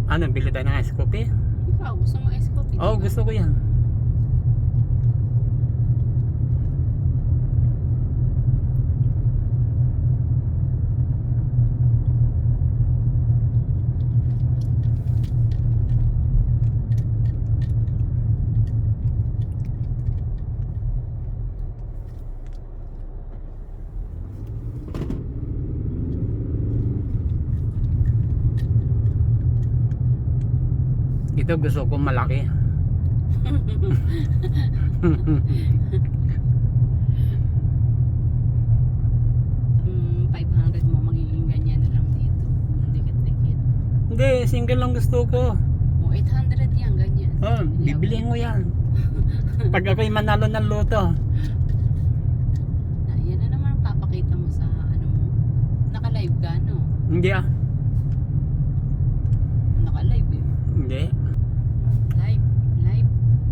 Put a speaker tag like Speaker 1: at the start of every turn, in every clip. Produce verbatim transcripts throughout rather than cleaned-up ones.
Speaker 1: Ano, bili tayo ng ice coffee?
Speaker 2: Ikaw, gusto mo ice coffee?
Speaker 1: Oo, oh,
Speaker 2: diba?
Speaker 1: gusto ko yan. Ito gusto ko malaki.
Speaker 2: um, five hundred mo, magiging ganyan na lang dito. Dikit-dikit.
Speaker 1: Hindi, single lang gusto ko.
Speaker 2: O, eight hundred yan, ganyan.
Speaker 1: Oh, bibilihin mo yan. Pag ako'y manalo ng loto.
Speaker 2: Na, yan na naman ang papakita mo sa ano mo. Naka-live ka, no?
Speaker 1: Hindi ah.
Speaker 2: Naka-live eh.
Speaker 1: Hindi.
Speaker 2: Live, live.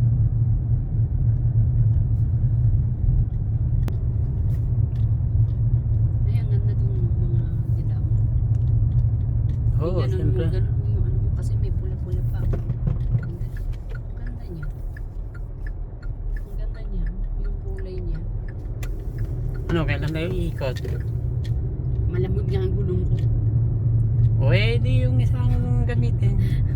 Speaker 2: Ay, ang ganda dun mga dilaw.
Speaker 1: Oo, oh,
Speaker 2: Ganun
Speaker 1: siyempre.
Speaker 2: mo, ganun mo yung ano mo kasi may pula-pula pa. Ang ganda, ang ganda niya. Ang ganda niya, yung kulay niya.
Speaker 1: Ano, kailan tayo iikot?
Speaker 2: Malamig nga ang gulong ko.
Speaker 1: O eh, di yung isang gamitin.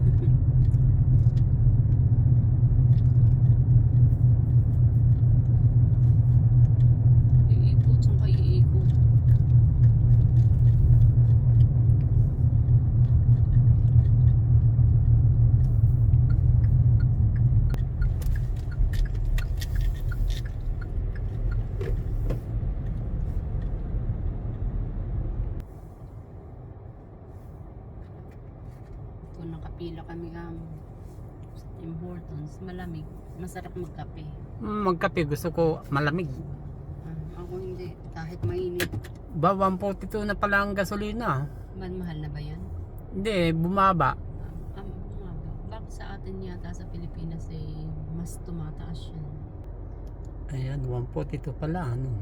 Speaker 2: Iikot, saan ka iikot? Ito, nakapila kami um, sa Tim Hortons. Malamig. Masarap magkape.
Speaker 1: Magkape, gusto ko malamig.
Speaker 2: Ah, ako hindi. Kahit mainit.
Speaker 1: Ba, one forty-two na pala ang gasolina.
Speaker 2: Man, mahal na ba yan?
Speaker 1: Hindi, bumaba.
Speaker 2: Um, um, bakit sa atin yata sa Pilipinas eh, mas tumataas yan?
Speaker 1: Ayan, one forty-two pala, ano.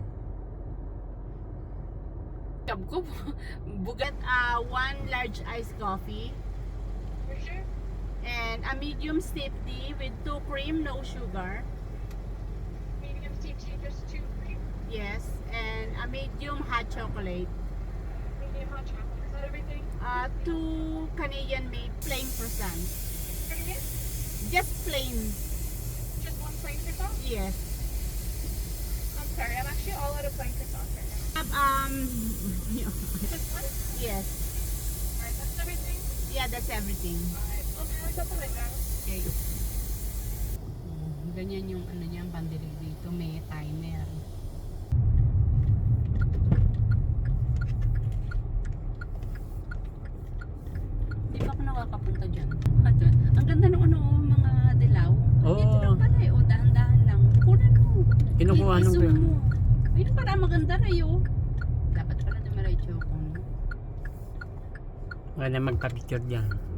Speaker 2: Kab ko, bugat uh, one large iced coffee.
Speaker 3: For sure.
Speaker 2: And a medium steep tea with two cream, no sugar.
Speaker 3: Medium steep tea, just two cream.
Speaker 2: Yes. And a medium hot chocolate.
Speaker 3: Medium hot chocolate. Is that everything?
Speaker 2: Uh, two Canadian made plain croissants.
Speaker 3: Premium?
Speaker 2: Just plain.
Speaker 3: Just one plain croissant?
Speaker 2: Yes.
Speaker 3: I'm sorry, I'm actually all out of plain croissants right now.
Speaker 2: Um,
Speaker 3: Just one?
Speaker 2: yes.
Speaker 3: Alright, that's everything?
Speaker 2: Yeah, that's everything.
Speaker 3: Alright, I'll do it up the window.
Speaker 2: Okay. Mm, ganyan yung ano niya, ang pandilig dito. May timer. Hindi pa ako nakakapunta dyan. Ito, ang ganda ng ano, mga dilaw.
Speaker 1: Oo.
Speaker 2: Dito lang pala eh. O, dahan-dahan lang. Kunan mo.
Speaker 1: Kinukuha nung
Speaker 2: I-zoom
Speaker 1: ko.
Speaker 2: mo. Ayun pala, maganda na yun. Dapat pala dumiretso ko. No?
Speaker 1: Wala na magpa-picture dyan.